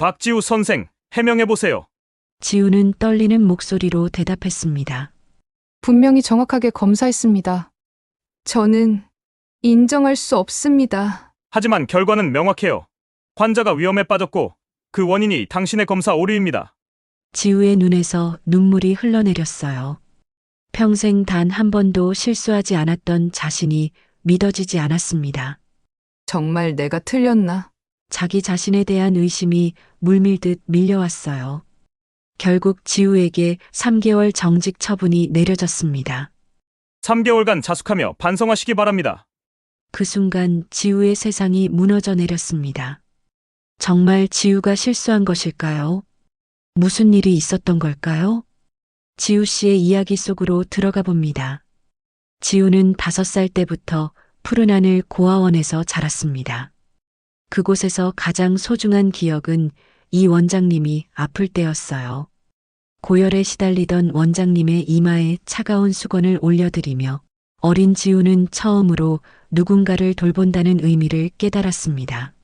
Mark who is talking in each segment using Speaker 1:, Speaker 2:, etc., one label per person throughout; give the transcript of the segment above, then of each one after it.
Speaker 1: 박지우 선생, 해명해보세요.
Speaker 2: 지우는 떨리는 목소리로 대답했습니다.
Speaker 3: 분명히 정확하게 검사했습니다. 저는 인정할 수 없습니다.
Speaker 1: 하지만 결과는 명확해요. 환자가 위험에 빠졌고 그 원인이 당신의 검사 오류입니다.
Speaker 2: 지우의 눈에서 눈물이 흘러내렸어요. 평생 단 한 번도 실수하지 않았던 자신이 믿어지지 않았습니다.
Speaker 3: 정말 내가 틀렸나?
Speaker 2: 자기 자신에 대한 의심이 물밀듯 밀려왔어요. 결국 지우에게 3개월 정직 처분이 내려졌습니다.
Speaker 1: 3개월간 자숙하며 반성하시기 바랍니다.
Speaker 2: 그 순간 지우의 세상이 무너져 내렸습니다. 정말 지우가 실수한 것일까요? 무슨 일이 있었던 걸까요? 지우 씨의 이야기 속으로 들어가 봅니다. 지우는 5살 때부터 푸른 하늘 고아원에서 자랐습니다. 그곳에서 가장 소중한 기억은 이 원장님이 아플 때였어요. 고열에 시달리던 원장님의 이마에 차가운 수건을 올려드리며 어린 지우는 처음으로 누군가를 돌본다는 의미를 깨달았습니다.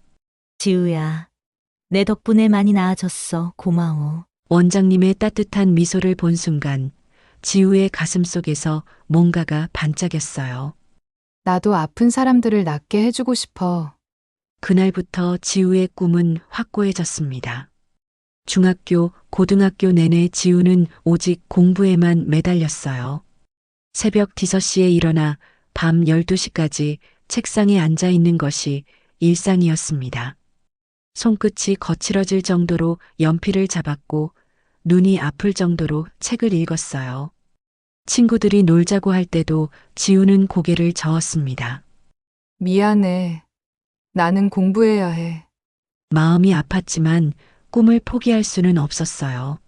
Speaker 4: 지우야, 내 덕분에 많이 나아졌어. 고마워.
Speaker 2: 원장님의 따뜻한 미소를 본 순간 지우의 가슴 속에서 뭔가가 반짝였어요.
Speaker 3: 나도 아픈 사람들을 낫게 해주고 싶어.
Speaker 2: 그날부터 지우의 꿈은 확고해졌습니다. 중학교, 고등학교 내내 지우는 오직 공부에만 매달렸어요. 새벽 5시에 일어나 밤 12시까지 책상에 앉아 있는 것이 일상이었습니다. 손끝이 거칠어질 정도로 연필을 잡았고 눈이 아플 정도로 책을 읽었어요. 친구들이 놀자고 할 때도 지우는 고개를 저었습니다.
Speaker 3: 미안해. 나는 공부해야 해.
Speaker 2: 마음이 아팠지만 꿈을 포기할 수는 없었어요.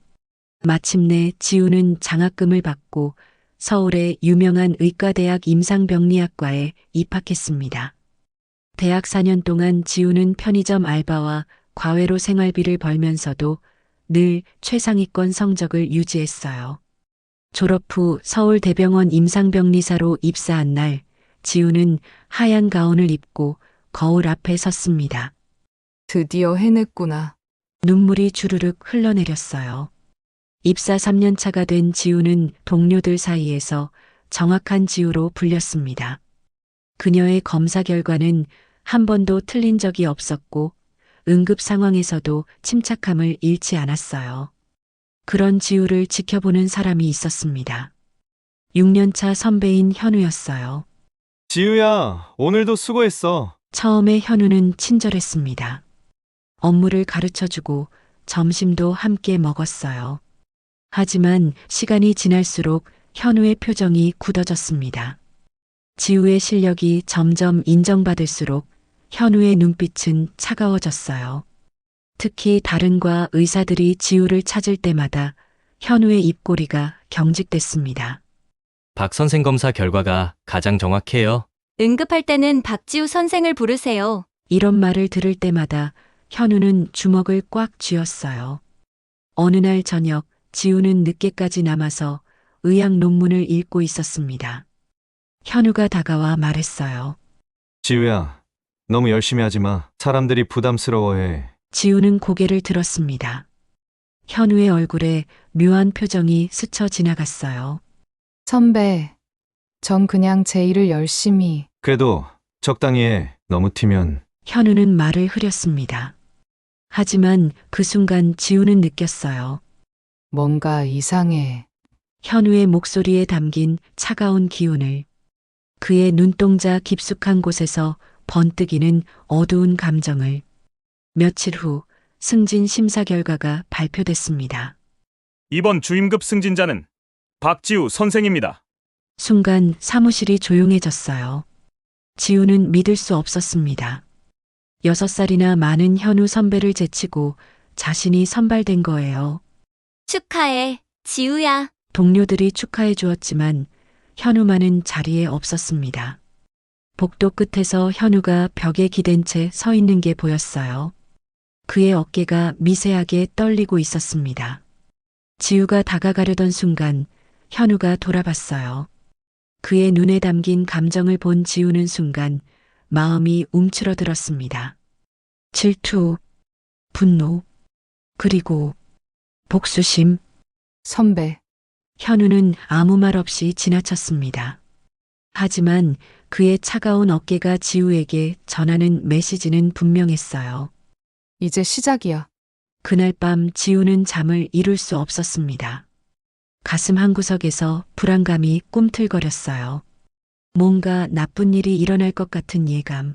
Speaker 2: 마침내 지우는 장학금을 받고 서울의 유명한 의과대학 임상병리학과에 입학했습니다. 대학 4년 동안 지우는 편의점 알바와 과외로 생활비를 벌면서도 늘 최상위권 성적을 유지했어요. 졸업 후 서울대병원 임상병리사로 입사한 날, 지우는 하얀 가운을 입고 거울 앞에 섰습니다.
Speaker 3: 드디어 해냈구나.
Speaker 2: 눈물이 주르륵 흘러내렸어요. 입사 3년 차가 된 지우는 동료들 사이에서 정확한 지우로 불렸습니다. 그녀의 검사 결과는 한 번도 틀린 적이 없었고 응급 상황에서도 침착함을 잃지 않았어요. 그런 지우를 지켜보는 사람이 있었습니다. 6년차 선배인 현우였어요.
Speaker 5: 지우야, 오늘도 수고했어.
Speaker 2: 처음에 현우는 친절했습니다. 업무를 가르쳐주고 점심도 함께 먹었어요. 하지만 시간이 지날수록 현우의 표정이 굳어졌습니다. 지우의 실력이 점점 인정받을수록 현우의 눈빛은 차가워졌어요. 특히 다른과 의사들이 지우를 찾을 때마다 현우의 입꼬리가 경직됐습니다.
Speaker 6: 박 선생 검사 결과가 가장 정확해요.
Speaker 4: 응급할 때는 박지우 선생을 부르세요.
Speaker 2: 이런 말을 들을 때마다 현우는 주먹을 꽉 쥐었어요. 어느 날 저녁 지우는 늦게까지 남아서 의학 논문을 읽고 있었습니다. 현우가 다가와 말했어요.
Speaker 5: 지우야, 너무 열심히 하지 마. 사람들이 부담스러워해.
Speaker 2: 지우는 고개를 들었습니다. 현우의 얼굴에 묘한 표정이 스쳐 지나갔어요.
Speaker 3: 선배, 전 그냥 제 일을 열심히.
Speaker 5: 그래도 적당히 해. 너무 튀면.
Speaker 2: 현우는 말을 흐렸습니다. 하지만 그 순간 지우는 느꼈어요.
Speaker 3: 뭔가 이상해.
Speaker 2: 현우의 목소리에 담긴 차가운 기운을. 그의 눈동자 깊숙한 곳에서 번뜩이는 어두운 감정을. 며칠 후 승진 심사 결과가 발표됐습니다.
Speaker 1: 이번 주임급 승진자는 박지우 선생입니다.
Speaker 2: 순간 사무실이 조용해졌어요. 지우는 믿을 수 없었습니다. 6살이나 많은 현우 선배를 제치고 자신이 선발된 거예요.
Speaker 4: 축하해, 지우야.
Speaker 2: 동료들이 축하해 주었지만 현우만은 자리에 없었습니다. 복도 끝에서 현우가 벽에 기댄 채 서 있는 게 보였어요. 그의 어깨가 미세하게 떨리고 있었습니다. 지우가 다가가려던 순간 현우가 돌아봤어요. 그의 눈에 담긴 감정을 본 지우는 순간 마음이 움츠러들었습니다. 질투, 분노, 그리고 복수심.
Speaker 3: 선배,
Speaker 2: 현우는 아무 말 없이 지나쳤습니다. 하지만 그의 차가운 어깨가 지우에게 전하는 메시지는 분명했어요.
Speaker 3: 이제 시작이야.
Speaker 2: 그날 밤 지우는 잠을 이룰 수 없었습니다. 가슴 한구석에서 불안감이 꿈틀거렸어요. 뭔가 나쁜 일이 일어날 것 같은 예감.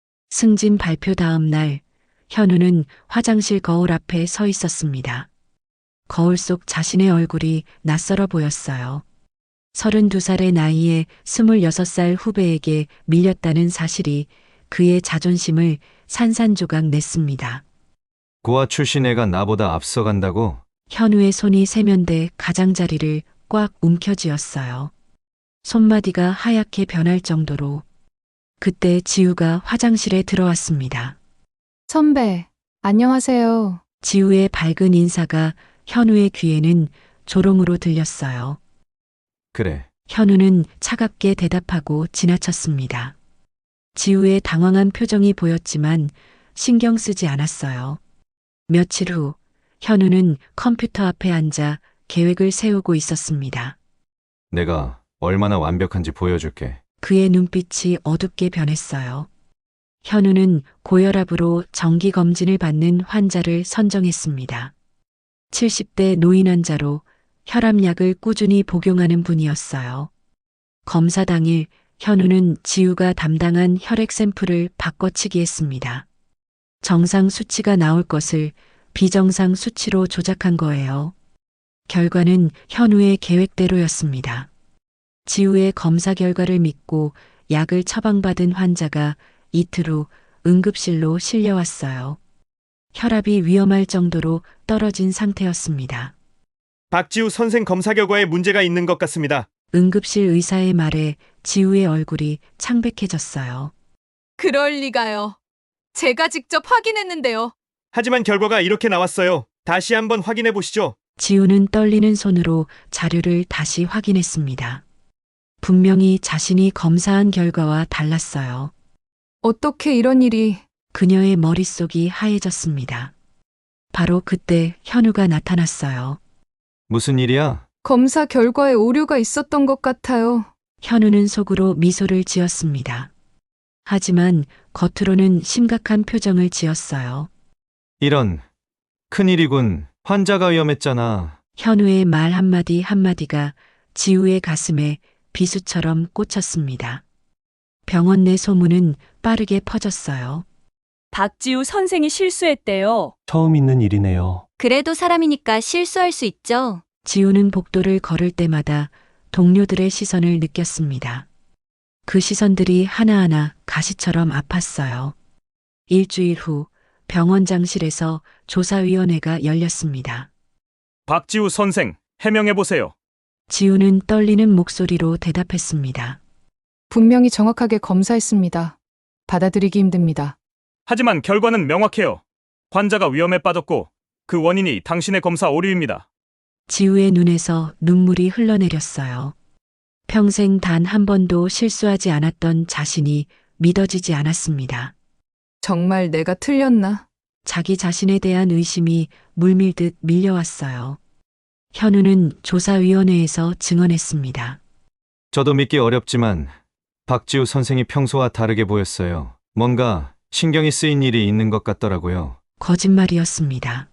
Speaker 2: 승진 발표 다음 날, 현우는 화장실 거울 앞에 서 있었습니다. 거울 속 자신의 얼굴이 낯설어 보였어요. 32살의 나이에 26살 후배에게 밀렸다는 사실이 그의 자존심을 산산조각 냈습니다.
Speaker 5: 고아 출신 애가 나보다 앞서간다고?
Speaker 2: 현우의 손이 세면대 가장자리를 꽉 움켜쥐었어요. 손마디가 하얗게 변할 정도로. 그때 지우가 화장실에 들어왔습니다.
Speaker 3: 선배, 안녕하세요.
Speaker 2: 지우의 밝은 인사가 현우의 귀에는 조롱으로 들렸어요.
Speaker 5: 그래.
Speaker 2: 현우는 차갑게 대답하고 지나쳤습니다. 지우의 당황한 표정이 보였지만 신경 쓰지 않았어요. 며칠 후 현우는 컴퓨터 앞에 앉아 계획을 세우고 있었습니다.
Speaker 5: 내가 얼마나 완벽한지 보여줄게.
Speaker 2: 그의 눈빛이 어둡게 변했어요. 현우는 고혈압으로 정기 검진을 받는 환자를 선정했습니다. 70대 노인 환자로 혈압약을 꾸준히 복용하는 분이었어요. 검사 당일 현우는 지우가 담당한 혈액 샘플을 바꿔치기 했습니다. 정상 수치가 나올 것을 비정상 수치로 조작한 거예요. 결과는 현우의 계획대로였습니다. 지우의 검사 결과를 믿고 약을 처방받은 환자가 이틀 후 응급실로 실려왔어요. 혈압이 위험할 정도로 떨어진 상태였습니다.
Speaker 1: 박지우 선생 검사 결과에 문제가 있는 것 같습니다.
Speaker 2: 응급실 의사의 말에 지우의 얼굴이 창백해졌어요.
Speaker 7: 그럴 리가요. 제가 직접 확인했는데요.
Speaker 1: 하지만 결과가 이렇게 나왔어요. 다시 한번 확인해 보시죠.
Speaker 2: 지우는 떨리는 손으로 자료를 다시 확인했습니다. 분명히 자신이 검사한 결과와 달랐어요.
Speaker 3: 어떻게 이런 일이...
Speaker 2: 그녀의 머릿속이 하얘졌습니다. 바로 그때 현우가 나타났어요.
Speaker 5: 무슨 일이야?
Speaker 3: 검사 결과에 오류가 있었던 것 같아요.
Speaker 2: 현우는 속으로 미소를 지었습니다. 하지만 겉으로는 심각한 표정을 지었어요.
Speaker 5: 이런. 큰일이군. 환자가 위험했잖아.
Speaker 2: 현우의 말 한마디 한마디가 지우의 가슴에 비수처럼 꽂혔습니다. 병원 내 소문은 빠르게 퍼졌어요.
Speaker 8: 박지우 선생이 실수했대요.
Speaker 9: 처음 있는 일이네요.
Speaker 4: 그래도 사람이니까 실수할 수 있죠.
Speaker 2: 지우는 복도를 걸을 때마다 동료들의 시선을 느꼈습니다. 그 시선들이 하나하나 가시처럼 아팠어요. 일주일 후 병원장실에서 조사위원회가 열렸습니다.
Speaker 1: 박지우 선생, 해명해 보세요.
Speaker 2: 지우는 떨리는 목소리로 대답했습니다.
Speaker 3: 분명히 정확하게 검사했습니다. 받아들이기 힘듭니다.
Speaker 1: 하지만 결과는 명확해요. 환자가 위험에 빠졌고 그 원인이 당신의 검사 오류입니다.
Speaker 2: 지우의 눈에서 눈물이 흘러내렸어요. 평생 단 한 번도 실수하지 않았던 자신이 믿어지지 않았습니다.
Speaker 3: 정말 내가 틀렸나?
Speaker 2: 자기 자신에 대한 의심이 물밀듯 밀려왔어요. 현우는 조사위원회에서 증언했습니다.
Speaker 5: 저도 믿기 어렵지만 박지우 선생이 평소와 다르게 보였어요. 뭔가 신경이 쓰인 일이 있는 것 같더라고요.
Speaker 2: 거짓말이었습니다.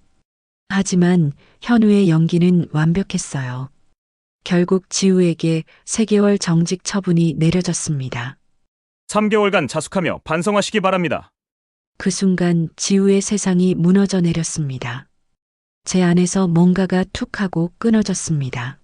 Speaker 2: 하지만 현우의 연기는 완벽했어요. 결국 지우에게 3개월 정직 처분이 내려졌습니다.
Speaker 1: 3개월간 자숙하며 반성하시기 바랍니다.
Speaker 2: 그 순간 지우의 세상이 무너져 내렸습니다. 제 안에서 뭔가가 툭 하고 끊어졌습니다.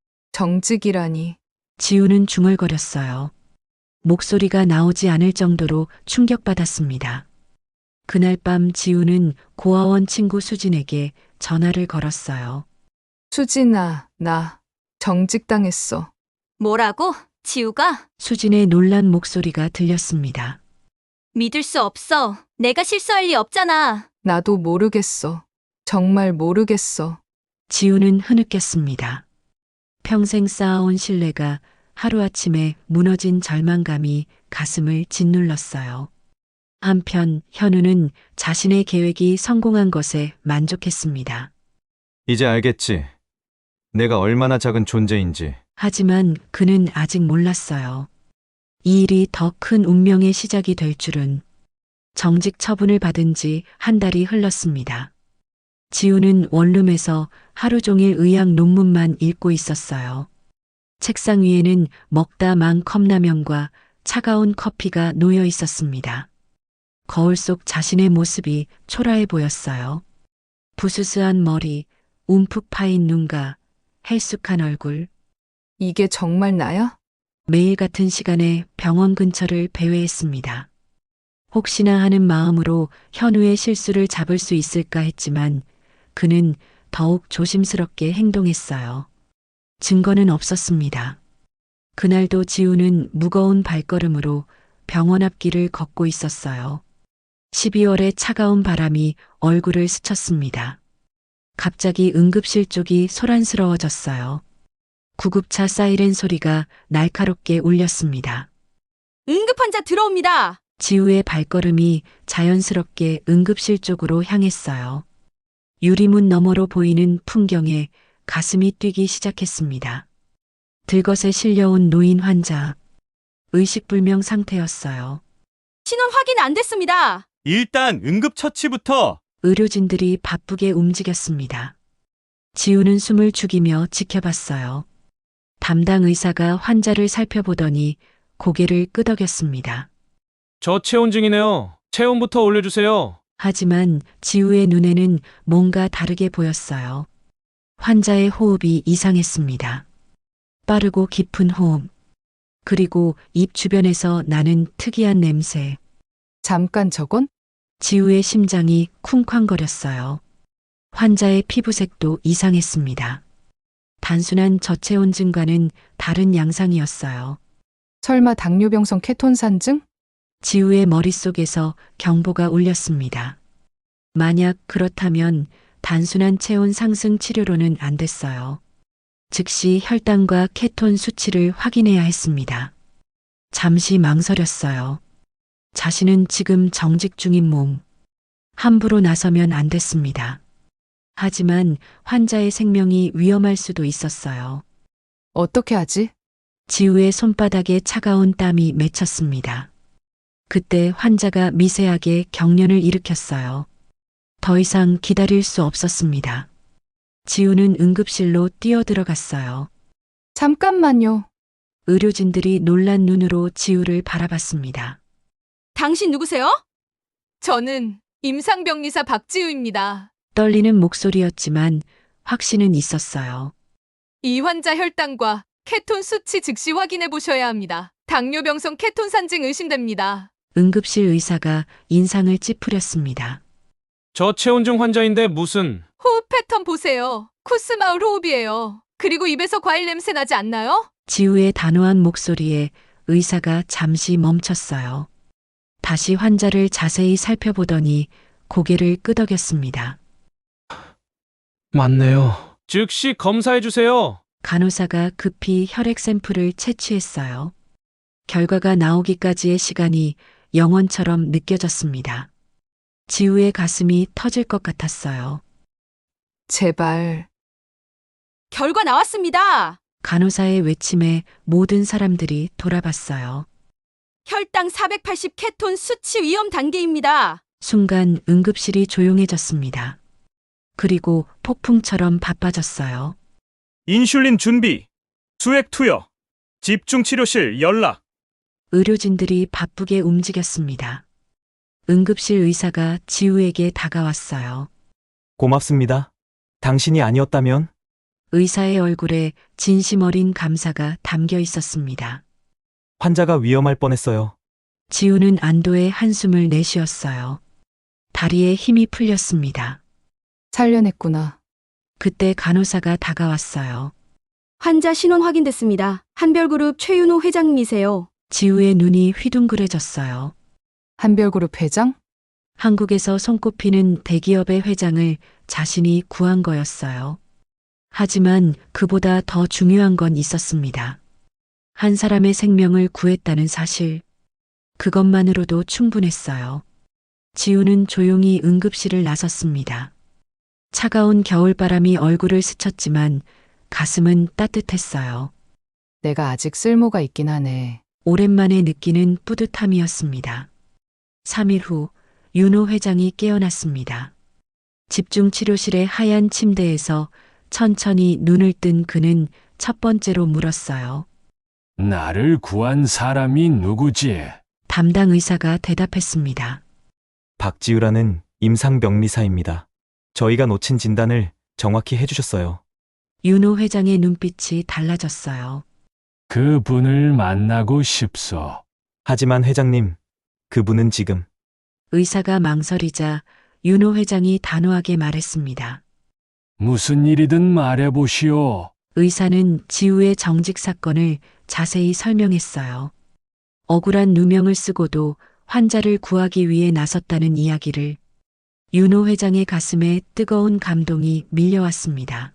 Speaker 3: 정직이라니.
Speaker 2: 지우는 중얼거렸어요. 목소리가 나오지 않을 정도로 충격받았습니다. 그날 밤 지우는 고아원 친구 수진에게 전화를 걸었어요.
Speaker 3: 수진아, 나 정직당했어.
Speaker 4: 뭐라고? 지우가?
Speaker 2: 수진의 놀란 목소리가 들렸습니다.
Speaker 4: 믿을 수 없어. 내가 실수할 리 없잖아.
Speaker 3: 나도 모르겠어. 정말 모르겠어.
Speaker 2: 지우는 흐느꼈습니다. 평생 쌓아온 신뢰가 하루아침에 무너진 절망감이 가슴을 짓눌렀어요. 한편 현우는 자신의 계획이 성공한 것에 만족했습니다.
Speaker 5: 이제 알겠지. 내가 얼마나 작은 존재인지.
Speaker 2: 하지만 그는 아직 몰랐어요. 이 일이 더 큰 운명의 시작이 될 줄은. 정직 처분을 받은 지 한 달이 흘렀습니다. 지우는 원룸에서 하루 종일 의학 논문만 읽고 있었어요. 책상 위에는 먹다 만 컵라면과 차가운 커피가 놓여 있었습니다. 거울 속 자신의 모습이 초라해 보였어요. 부스스한 머리, 움푹 파인 눈과 헬쑥한 얼굴.
Speaker 3: 이게 정말 나야?
Speaker 2: 매일 같은 시간에 병원 근처를 배회했습니다. 혹시나 하는 마음으로 현우의 실수를 잡을 수 있을까 했지만 그는 더욱 조심스럽게 행동했어요. 증거는 없었습니다. 그날도 지우는 무거운 발걸음으로 병원 앞길을 걷고 있었어요. 12월의 차가운 바람이 얼굴을 스쳤습니다. 갑자기 응급실 쪽이 소란스러워졌어요. 구급차 사이렌 소리가 날카롭게 울렸습니다.
Speaker 4: 응급환자 들어옵니다.
Speaker 2: 지우의 발걸음이 자연스럽게 응급실 쪽으로 향했어요. 유리문 너머로 보이는 풍경에 가슴이 뛰기 시작했습니다. 들것에 실려온 노인 환자. 의식불명 상태였어요.
Speaker 4: 신원 확인 안 됐습니다.
Speaker 1: 일단 응급처치부터.
Speaker 2: 의료진들이 바쁘게 움직였습니다. 지우는 숨을 죽이며 지켜봤어요. 담당 의사가 환자를 살펴보더니 고개를 끄덕였습니다.
Speaker 9: 저체온증이네요. 체온부터 올려주세요.
Speaker 2: 하지만 지우의 눈에는 뭔가 다르게 보였어요. 환자의 호흡이 이상했습니다. 빠르고 깊은 호흡. 그리고 입 주변에서 나는 특이한 냄새.
Speaker 3: 잠깐 저건?
Speaker 2: 지우의 심장이 쿵쾅거렸어요. 환자의 피부색도 이상했습니다. 단순한 저체온증과는 다른 양상이었어요.
Speaker 3: 설마 당뇨병성 케톤산증?
Speaker 2: 지우의 머릿속에서 경보가 울렸습니다. 만약 그렇다면 단순한 체온 상승 치료로는 안 됐어요. 즉시 혈당과 케톤 수치를 확인해야 했습니다. 잠시 망설였어요. 자신은 지금 정직 중인 몸. 함부로 나서면 안 됐습니다. 하지만 환자의 생명이 위험할 수도 있었어요.
Speaker 3: 어떻게 하지?
Speaker 2: 지우의 손바닥에 차가운 땀이 맺혔습니다. 그때 환자가 미세하게 경련을 일으켰어요. 더 이상 기다릴 수 없었습니다. 지우는 응급실로 뛰어들어갔어요.
Speaker 3: 잠깐만요.
Speaker 2: 의료진들이 놀란 눈으로 지우를 바라봤습니다.
Speaker 4: 당신 누구세요?
Speaker 7: 저는 임상병리사 박지우입니다.
Speaker 2: 떨리는 목소리였지만 확신은 있었어요.
Speaker 7: 이 환자 혈당과 케톤 수치 즉시 확인해 보셔야 합니다. 당뇨병성 케톤산증 의심됩니다.
Speaker 2: 응급실 의사가 인상을 찌푸렸습니다.
Speaker 9: 저체온증 환자인데 무슨...
Speaker 7: 호흡 패턴 보세요. 쿠스마을 호흡이에요. 그리고 입에서 과일 냄새 나지 않나요?
Speaker 2: 지우의 단호한 목소리에 의사가 잠시 멈췄어요. 다시 환자를 자세히 살펴보더니 고개를 끄덕였습니다.
Speaker 9: 맞네요. 즉시 검사해주세요.
Speaker 2: 간호사가 급히 혈액 샘플을 채취했어요. 결과가 나오기까지의 시간이 영원처럼 느껴졌습니다. 지우의 가슴이 터질 것 같았어요.
Speaker 3: 제발.
Speaker 4: 결과 나왔습니다.
Speaker 2: 간호사의 외침에 모든 사람들이 돌아봤어요.
Speaker 4: 혈당 480 케톤 수치 위험 단계입니다.
Speaker 2: 순간 응급실이 조용해졌습니다. 그리고 폭풍처럼 바빠졌어요.
Speaker 1: 인슐린 준비. 수액 투여. 집중치료실 연락.
Speaker 2: 의료진들이 바쁘게 움직였습니다. 응급실 의사가 지우에게 다가왔어요.
Speaker 10: 고맙습니다. 당신이 아니었다면?
Speaker 2: 의사의 얼굴에 진심 어린 감사가 담겨 있었습니다.
Speaker 10: 환자가 위험할 뻔했어요.
Speaker 2: 지우는 안도의 한숨을 내쉬었어요. 다리에 힘이 풀렸습니다.
Speaker 3: 살려냈구나.
Speaker 2: 그때 간호사가 다가왔어요.
Speaker 4: 환자 신원 확인됐습니다. 한별그룹 최윤호 회장님이세요.
Speaker 2: 지우의 눈이 휘둥그레졌어요.
Speaker 3: 한별그룹 회장?
Speaker 2: 한국에서 손꼽히는 대기업의 회장을 자신이 구한 거였어요. 하지만 그보다 더 중요한 건 있었습니다. 한 사람의 생명을 구했다는 사실. 그것만으로도 충분했어요. 지우는 조용히 응급실을 나섰습니다. 차가운 겨울바람이 얼굴을 스쳤지만 가슴은 따뜻했어요.
Speaker 3: 내가 아직 쓸모가 있긴 하네.
Speaker 2: 오랜만에 느끼는 뿌듯함이었습니다. 3일 후 윤호 회장이 깨어났습니다. 집중치료실의 하얀 침대에서 천천히 눈을 뜬 그는 첫 번째로 물었어요.
Speaker 11: 나를 구한 사람이 누구지?
Speaker 2: 담당 의사가 대답했습니다.
Speaker 10: 박지우라는 임상병리사입니다. 저희가 놓친 진단을 정확히 해주셨어요.
Speaker 2: 윤호 회장의 눈빛이 달라졌어요.
Speaker 11: 그분을 만나고 싶소.
Speaker 10: 하지만 회장님, 그분은 지금
Speaker 2: 의사가 망설이자 윤호 회장이 단호하게 말했습니다.
Speaker 11: 무슨 일이든 말해보시오.
Speaker 2: 의사는 지우의 정직 사건을 자세히 설명했어요. 억울한 누명을 쓰고도 환자를 구하기 위해 나섰다는 이야기를. 윤호 회장의 가슴에 뜨거운 감동이 밀려왔습니다.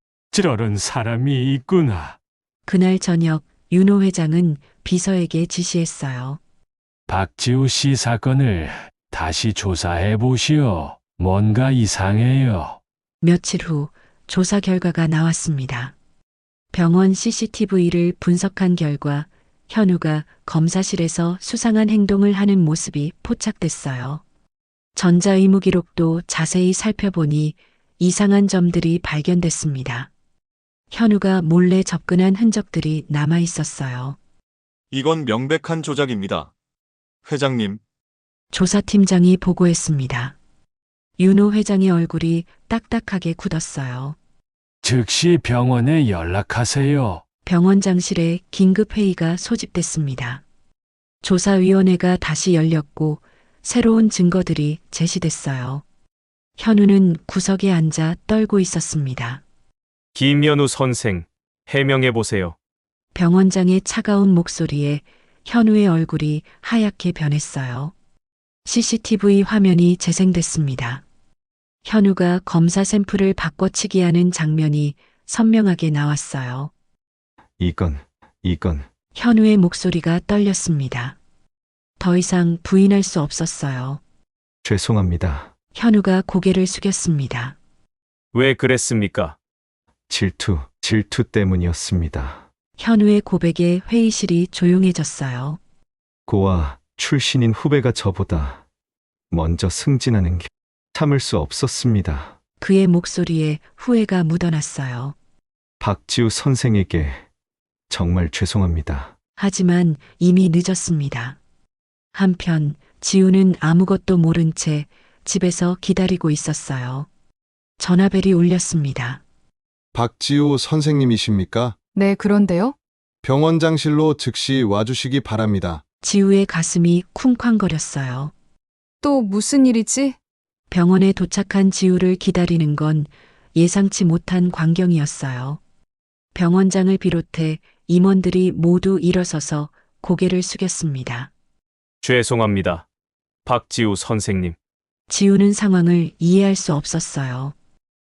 Speaker 11: 저런 사람이 있구나.
Speaker 2: 그날 저녁 윤호 회장은 비서에게 지시했어요.
Speaker 11: 박지우 씨 사건을 다시 조사해 보시오. 뭔가 이상해요.
Speaker 2: 며칠 후 조사 결과가 나왔습니다. 병원 CCTV를 분석한 결과 현우가 검사실에서 수상한 행동을 하는 모습이 포착됐어요. 전자의무 기록도 자세히 살펴보니 이상한 점들이 발견됐습니다. 현우가 몰래 접근한 흔적들이 남아 있었어요.
Speaker 12: 이건 명백한 조작입니다. 회장님,
Speaker 2: 조사팀장이 보고했습니다. 윤호 회장의 얼굴이 딱딱하게 굳었어요.
Speaker 11: 즉시 병원에 연락하세요.
Speaker 2: 병원장실에 긴급회의가 소집됐습니다. 조사위원회가 다시 열렸고 새로운 증거들이 제시됐어요. 현우는 구석에 앉아 떨고 있었습니다.
Speaker 1: 김현우 선생, 해명해 보세요.
Speaker 2: 병원장의 차가운 목소리에 현우의 얼굴이 하얗게 변했어요. CCTV 화면이 재생됐습니다. 현우가 검사 샘플을 바꿔치기하는 장면이 선명하게 나왔어요.
Speaker 5: 이건
Speaker 2: 현우의 목소리가 떨렸습니다. 더 이상 부인할 수 없었어요.
Speaker 5: 죄송합니다.
Speaker 2: 현우가 고개를 숙였습니다.
Speaker 1: 왜 그랬습니까?
Speaker 5: 질투 때문이었습니다.
Speaker 2: 현우의 고백에 회의실이 조용해졌어요.
Speaker 5: 고아 출신인 후배가 저보다 먼저 승진하는 게 참을 수 없었습니다.
Speaker 2: 그의 목소리에 후회가 묻어났어요.
Speaker 5: 박지우 선생에게 정말 죄송합니다.
Speaker 2: 하지만 이미 늦었습니다. 한편 지우는 아무것도 모른 채 집에서 기다리고 있었어요. 전화벨이 울렸습니다.
Speaker 13: 박지우 선생님이십니까?
Speaker 3: 네, 그런데요?
Speaker 13: 병원장실로 즉시 와주시기 바랍니다.
Speaker 2: 지우의 가슴이 쿵쾅거렸어요.
Speaker 3: 또 무슨 일이지?
Speaker 2: 병원에 도착한 지우를 기다리는 건 예상치 못한 광경이었어요. 병원장을 비롯해 임원들이 모두 일어서서 고개를 숙였습니다.
Speaker 1: 죄송합니다. 박지우 선생님.
Speaker 2: 지우는 상황을 이해할 수 없었어요.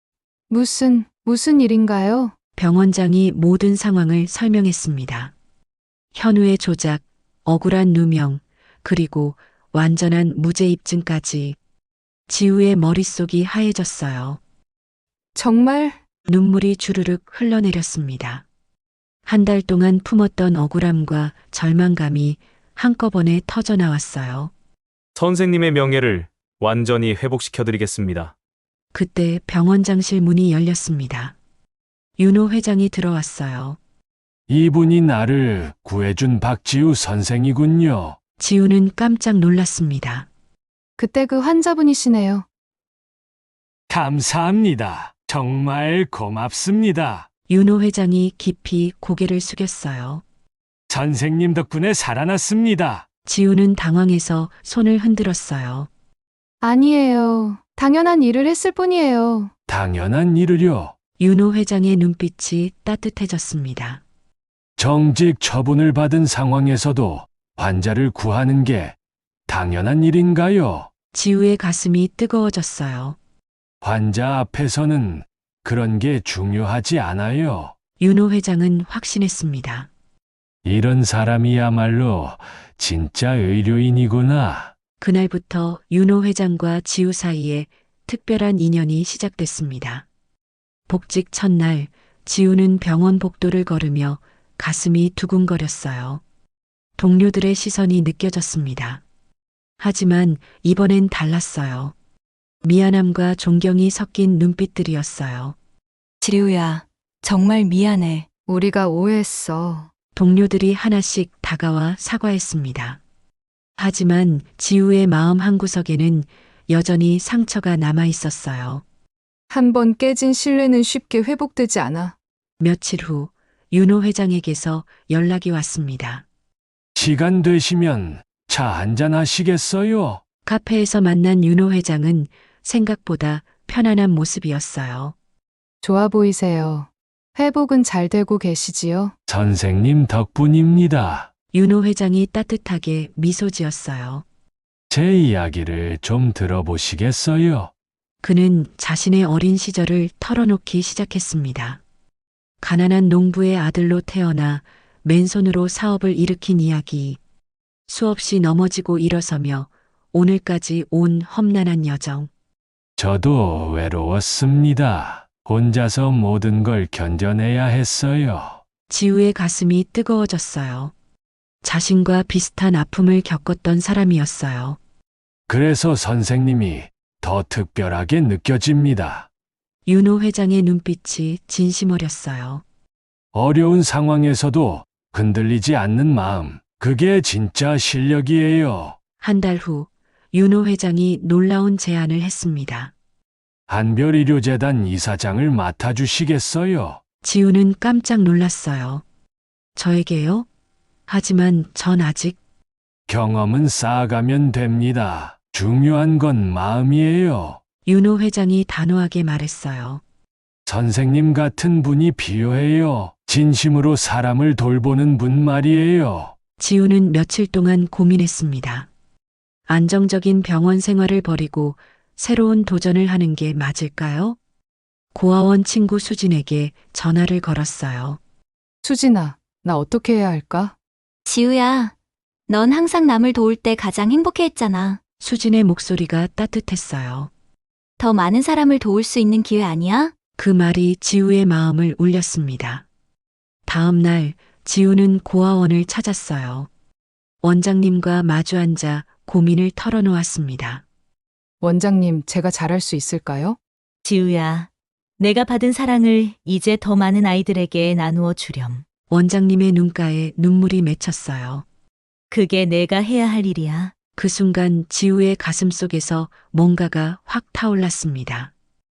Speaker 3: 무슨 일인가요?
Speaker 2: 병원장이 모든 상황을 설명했습니다. 현우의 조작, 억울한 누명, 그리고 완전한 무죄 입증까지. 지우의 머릿속이 하얘졌어요.
Speaker 3: 정말?
Speaker 2: 눈물이 주르륵 흘러내렸습니다. 한 달 동안 품었던 억울함과 절망감이 한꺼번에 터져나왔어요.
Speaker 1: 선생님의 명예를 완전히 회복시켜드리겠습니다.
Speaker 2: 그때 병원장실 문이 열렸습니다. 윤호 회장이 들어왔어요.
Speaker 11: 이분이 나를 구해준 박지우 선생이군요.
Speaker 2: 지우는 깜짝 놀랐습니다.
Speaker 3: 그때 그 환자분이시네요.
Speaker 11: 감사합니다. 정말 고맙습니다.
Speaker 2: 윤호 회장이 깊이 고개를 숙였어요.
Speaker 11: 선생님 덕분에 살아났습니다.
Speaker 2: 지우는 당황해서 손을 흔들었어요.
Speaker 3: 아니에요. 당연한 일을 했을 뿐이에요.
Speaker 11: 당연한 일을요.
Speaker 2: 윤호 회장의 눈빛이 따뜻해졌습니다.
Speaker 11: 정직 처분을 받은 상황에서도 환자를 구하는 게 당연한 일인가요?
Speaker 2: 지우의 가슴이 뜨거워졌어요.
Speaker 11: 환자 앞에서는 그런 게 중요하지 않아요.
Speaker 2: 윤호 회장은 확신했습니다.
Speaker 11: 이런 사람이야말로 진짜 의료인이구나.
Speaker 2: 그날부터 윤호 회장과 지우 사이에 특별한 인연이 시작됐습니다. 복직 첫날, 지우는 병원 복도를 걸으며 가슴이 두근거렸어요. 동료들의 시선이 느껴졌습니다. 하지만 이번엔 달랐어요. 미안함과 존경이 섞인 눈빛들이었어요.
Speaker 8: 지우야, 정말 미안해.
Speaker 3: 우리가 오해했어.
Speaker 2: 동료들이 하나씩 다가와 사과했습니다. 하지만 지우의 마음 한구석에는 여전히 상처가 남아 있었어요.
Speaker 3: 한 번 깨진 신뢰는 쉽게 회복되지 않아.
Speaker 2: 며칠 후 윤호 회장에게서 연락이 왔습니다.
Speaker 11: 시간 되시면 차 한잔 하시겠어요?
Speaker 2: 카페에서 만난 윤호 회장은 생각보다 편안한 모습이었어요.
Speaker 3: 좋아 보이세요. 회복은 잘 되고 계시지요?
Speaker 11: 선생님 덕분입니다.
Speaker 2: 윤호 회장이 따뜻하게 미소 지었어요.
Speaker 11: 제 이야기를 좀 들어보시겠어요?
Speaker 2: 그는 자신의 어린 시절을 털어놓기 시작했습니다. 가난한 농부의 아들로 태어나 맨손으로 사업을 일으킨 이야기, 수없이 넘어지고 일어서며 오늘까지 온 험난한 여정.
Speaker 11: 저도 외로웠습니다. 혼자서 모든 걸 견뎌내야 했어요.
Speaker 2: 지우의 가슴이 뜨거워졌어요. 자신과 비슷한 아픔을 겪었던 사람이었어요.
Speaker 11: 그래서 선생님이 더 특별하게 느껴집니다.
Speaker 2: 윤호 회장의 눈빛이 진심 어렸어요.
Speaker 11: 어려운 상황에서도 흔들리지 않는 마음, 그게 진짜 실력이에요.
Speaker 2: 한 달 후 윤호 회장이 놀라운 제안을 했습니다.
Speaker 11: 한별의료재단 이사장을 맡아주시겠어요?
Speaker 2: 지우는 깜짝 놀랐어요. 저에게요? 하지만 전 아직
Speaker 11: 경험은 쌓아가면 됩니다. 중요한 건 마음이에요.
Speaker 2: 윤호 회장이 단호하게 말했어요.
Speaker 11: 선생님 같은 분이 필요해요. 진심으로 사람을 돌보는 분 말이에요.
Speaker 2: 지우는 며칠 동안 고민했습니다. 안정적인 병원 생활을 버리고 새로운 도전을 하는 게 맞을까요? 고아원 친구 수진에게 전화를 걸었어요.
Speaker 3: 수진아, 나 어떻게 해야 할까?
Speaker 4: 지우야, 넌 항상 남을 도울 때 가장 행복해했잖아.
Speaker 2: 수진의 목소리가 따뜻했어요.
Speaker 4: 더 많은 사람을 도울 수 있는 기회 아니야?
Speaker 2: 그 말이 지우의 마음을 울렸습니다. 다음 날 지우는 고아원을 찾았어요. 원장님과 마주 앉아 고민을 털어놓았습니다.
Speaker 3: 원장님, 제가 잘할 수 있을까요?
Speaker 8: 지우야, 내가 받은 사랑을 이제 더 많은 아이들에게 나누어 주렴.
Speaker 2: 원장님의 눈가에 눈물이 맺혔어요.
Speaker 8: 그게 내가 해야 할 일이야.
Speaker 2: 그 순간 지우의 가슴 속에서 뭔가가 확 타올랐습니다.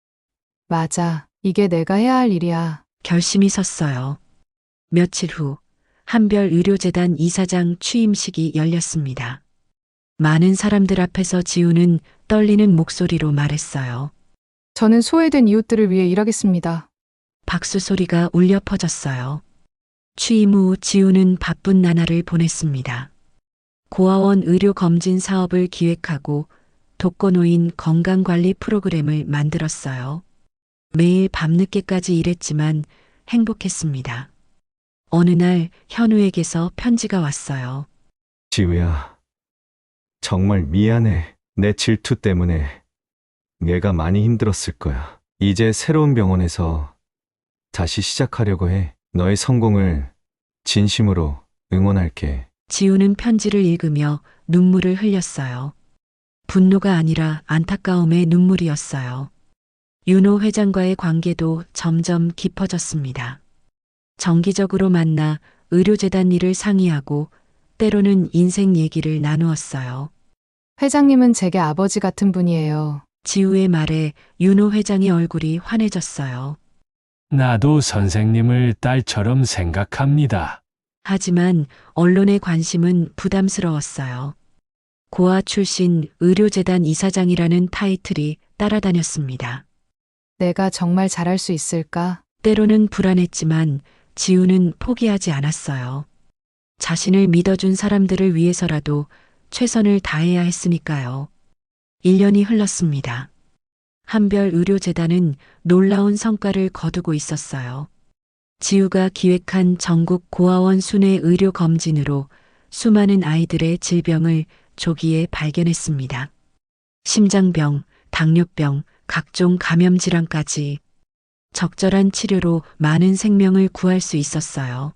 Speaker 3: 맞아. 이게 내가 해야 할 일이야.
Speaker 2: 결심이 섰어요. 며칠 후 한별의료재단 이사장 취임식이 열렸습니다. 많은 사람들 앞에서 지우는 떨리는 목소리로 말했어요.
Speaker 3: 저는 소외된 이웃들을 위해 일하겠습니다.
Speaker 2: 박수 소리가 울려 퍼졌어요. 취임 후 지우는 바쁜 나날을 보냈습니다. 고아원 의료 검진 사업을 기획하고 독거노인 건강관리 프로그램을 만들었어요. 매일 밤늦게까지 일했지만 행복했습니다. 어느 날 현우에게서 편지가 왔어요.
Speaker 5: 지우야, 정말 미안해. 내 질투 때문에 내가 많이 힘들었을 거야. 이제 새로운 병원에서 다시 시작하려고 해. 너의 성공을 진심으로 응원할게.
Speaker 2: 지우는 편지를 읽으며 눈물을 흘렸어요. 분노가 아니라 안타까움의 눈물이었어요. 윤호 회장과의 관계도 점점 깊어졌습니다. 정기적으로 만나 의료재단 일을 상의하고 때로는 인생 얘기를 나누었어요.
Speaker 3: 회장님은 제게 아버지 같은 분이에요.
Speaker 2: 지우의 말에 윤호 회장의 얼굴이 환해졌어요.
Speaker 11: 나도 선생님을 딸처럼 생각합니다.
Speaker 2: 하지만 언론의 관심은 부담스러웠어요. 고아 출신 의료재단 이사장이라는 타이틀이 따라다녔습니다.
Speaker 3: 내가 정말 잘할 수 있을까?
Speaker 2: 때로는 불안했지만 지우는 포기하지 않았어요. 자신을 믿어준 사람들을 위해서라도 최선을 다해야 했으니까요. 1년이 흘렀습니다. 한별의료재단은 놀라운 성과를 거두고 있었어요. 지우가 기획한 전국 고아원 순회 의료 검진으로 수많은 아이들의 질병을 조기에 발견했습니다. 심장병, 당뇨병, 각종 감염 질환까지 적절한 치료로 많은 생명을 구할 수 있었어요.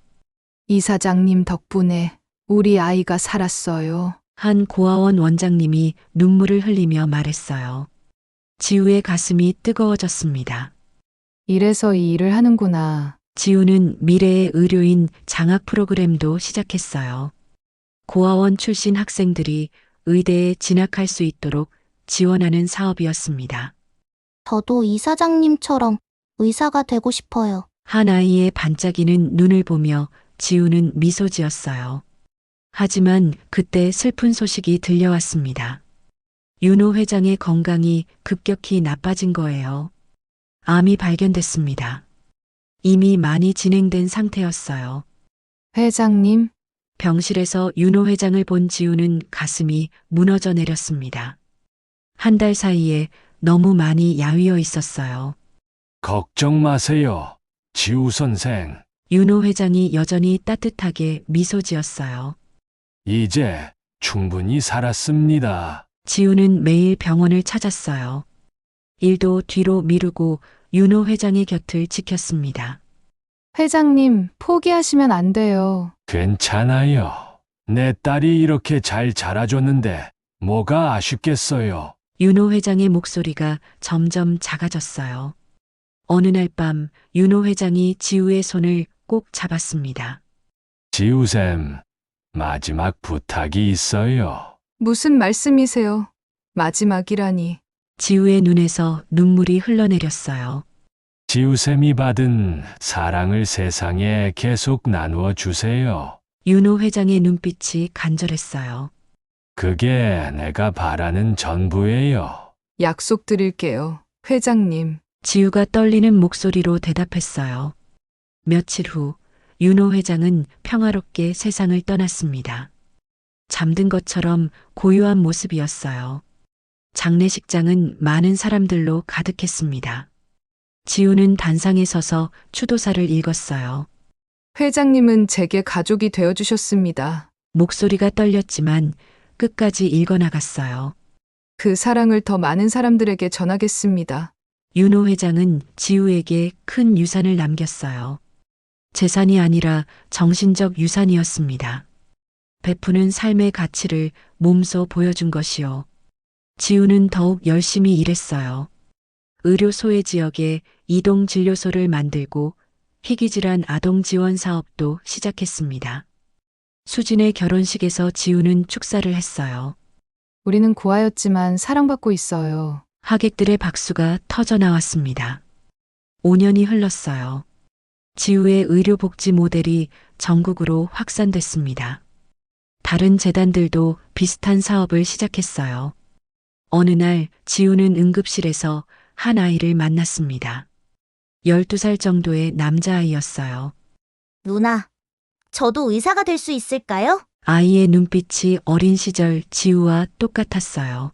Speaker 3: 이사장님 덕분에 우리 아이가 살았어요.
Speaker 2: 한 고아원 원장님이 눈물을 흘리며 말했어요. 지우의 가슴이 뜨거워졌습니다.
Speaker 3: 이래서 이 일을 하는구나.
Speaker 2: 지우는 미래의 의료인 장학 프로그램도 시작했어요. 고아원 출신 학생들이 의대에 진학할 수 있도록 지원하는 사업이었습니다.
Speaker 4: 저도 이사장님처럼 의사가 되고 싶어요.
Speaker 2: 한 아이의 반짝이는 눈을 보며 지우는 미소 지었어요. 하지만 그때 슬픈 소식이 들려왔습니다. 윤호 회장의 건강이 급격히 나빠진 거예요. 암이 발견됐습니다. 이미 많이 진행된 상태였어요.
Speaker 3: 회장님,
Speaker 2: 병실에서 윤호 회장을 본 지우는 가슴이 무너져 내렸습니다. 한 달 사이에 너무 많이 야위어 있었어요.
Speaker 11: 걱정 마세요. 지우 선생.
Speaker 2: 윤호 회장이 여전히 따뜻하게 미소 지었어요.
Speaker 11: 이제 충분히 살았습니다.
Speaker 2: 지우는 매일 병원을 찾았어요. 일도 뒤로 미루고 윤호 회장의 곁을 지켰습니다.
Speaker 3: 회장님, 포기하시면 안 돼요.
Speaker 11: 괜찮아요. 내 딸이 이렇게 잘 자라줬는데 뭐가 아쉽겠어요.
Speaker 2: 윤호 회장의 목소리가 점점 작아졌어요. 어느 날 밤 윤호 회장이 지우의 손을 꼭 잡았습니다.
Speaker 11: 지우쌤, 마지막 부탁이 있어요.
Speaker 3: 무슨 말씀이세요? 마지막이라니.
Speaker 2: 지우의 눈에서 눈물이 흘러내렸어요.
Speaker 11: 지우쌤이 받은 사랑을 세상에 계속 나누어 주세요.
Speaker 2: 윤호 회장의 눈빛이 간절했어요.
Speaker 11: 그게 내가 바라는 전부예요.
Speaker 3: 약속드릴게요. 회장님.
Speaker 2: 지우가 떨리는 목소리로 대답했어요. 며칠 후 윤호 회장은 평화롭게 세상을 떠났습니다. 잠든 것처럼 고요한 모습이었어요. 장례식장은 많은 사람들로 가득했습니다. 지우는 단상에 서서 추도사를 읽었어요.
Speaker 3: 회장님은 제게 가족이 되어주셨습니다.
Speaker 2: 목소리가 떨렸지만 끝까지 읽어나갔어요.
Speaker 3: 그 사랑을 더 많은 사람들에게 전하겠습니다.
Speaker 2: 윤호 회장은 지우에게 큰 유산을 남겼어요. 재산이 아니라 정신적 유산이었습니다. 베푸는 삶의 가치를 몸소 보여준 것이요. 지우는 더욱 열심히 일했어요. 의료 소외 지역에 이동 진료소를 만들고 희귀질환 아동 지원 사업도 시작했습니다. 수진의 결혼식에서 지우는 축사를 했어요.
Speaker 3: 우리는 고아였지만 사랑받고 있어요.
Speaker 2: 하객들의 박수가 터져 나왔습니다. 5년이 흘렀어요. 지우의 의료복지 모델이 전국으로 확산됐습니다. 다른 재단들도 비슷한 사업을 시작했어요. 어느 날 지우는 응급실에서 한 아이를 만났습니다. 12살 정도의 남자아이였어요.
Speaker 4: 누나, 저도 의사가 될 수 있을까요?
Speaker 2: 아이의 눈빛이 어린 시절 지우와 똑같았어요.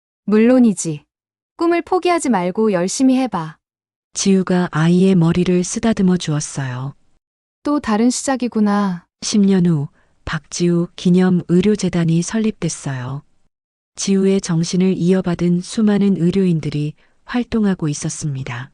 Speaker 3: 물론이지. 꿈을 포기하지 말고 열심히 해봐.
Speaker 2: 지우가 아이의 머리를 쓰다듬어 주었어요.
Speaker 3: 또 다른 시작이구나.
Speaker 2: 10년 후 박지우 기념 의료재단이 설립됐어요. 지우의 정신을 이어받은 수많은 의료인들이 활동하고 있었습니다.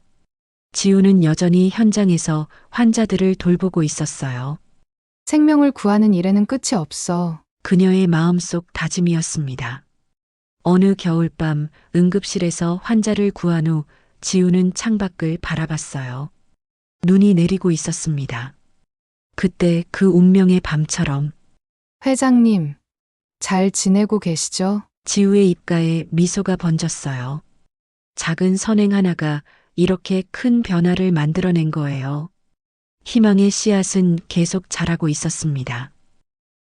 Speaker 2: 지우는 여전히 현장에서 환자들을 돌보고 있었어요.
Speaker 3: 생명을 구하는 일에는 끝이 없어.
Speaker 2: 그녀의 마음속 다짐이었습니다. 어느 겨울밤 응급실에서 환자를 구한 후 지우는 창밖을 바라봤어요. 눈이 내리고 있었습니다. 그때 그 운명의 밤처럼
Speaker 3: 회장님, 잘 지내고 계시죠?
Speaker 2: 지우의 입가에 미소가 번졌어요. 작은 선행 하나가 이렇게 큰 변화를 만들어낸 거예요. 희망의 씨앗은 계속 자라고 있었습니다.